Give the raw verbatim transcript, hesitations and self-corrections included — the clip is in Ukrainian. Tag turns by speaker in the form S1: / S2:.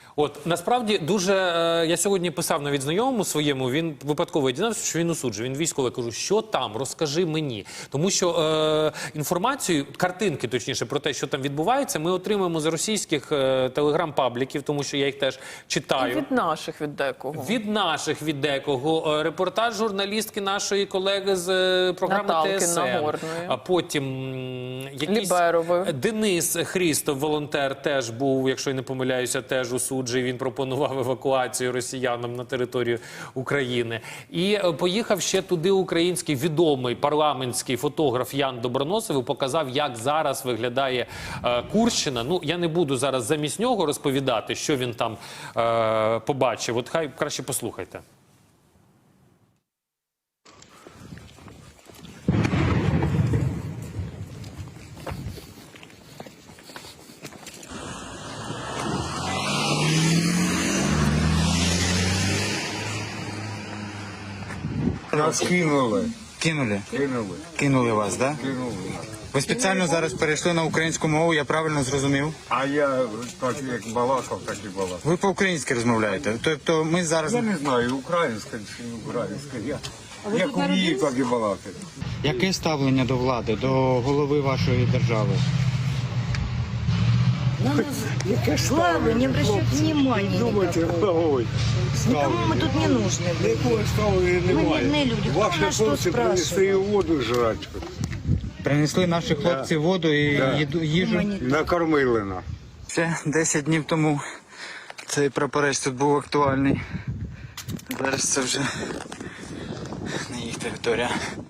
S1: От, насправді, дуже, е, я сьогодні писав навіть знайомому своєму, він випадково дізнався, що він осуджує, він військовий, кажу, що там, розкажи мені. Тому що е, інформацію, картинки, точніше, про те, що там відбувається, ми отримуємо з російських е, телеграм-пабліків, тому що я їх теж читаю.
S2: І від наших, від декого.
S1: Від наших, від декого. Е, репортаж журналістки нашої колеги з е, програми
S2: Наталки
S1: Т С Н.
S2: Нагорної.
S1: А потім м, якийсь
S2: Ліберової.
S1: Денис Хрістов, волонтер, теж був, якщо я не помиляюся, теж осуджений. Він пропонував евакуацію росіянам на територію України. І е, поїхав ще туди український відомий парламентський фотограф Ян Доброносов і показав, як зараз виглядає е, Курщина. Ну, я не буду зараз замість нього розповідати, що він там е, побачив. От хай краще послухайте.
S3: Нас кинули.
S4: Кинули?
S3: Кинули.
S4: Кинули вас, да?
S3: Кинули.
S4: Ви спеціально зараз перейшли на українську мову, я правильно зрозумів?
S3: А я так як балакав, так і балакав.
S4: Ви по-українськи розмовляєте? Тобто ми зараз...
S3: Я не знаю, українська чи не українська. Я як умію, так і балакати.
S4: Яке ставлення до влади, до голови вашої держави?
S5: Слава, не обращайте внимания никакого. Никому мы тут не нужны.
S3: Якого ставлення
S5: Мы
S3: немає.
S5: мирные люди. Кто
S3: Ваші
S5: нас что
S3: хлопці принесли
S5: спрашивает?
S3: воду жрати.
S4: Принесли наші хлопці воду і
S3: Да.
S4: їду- їжу.
S3: Накормили нас.
S4: Ще десять днів тому цей прапорець тут був актуальний. Зараз це вже не їх територія.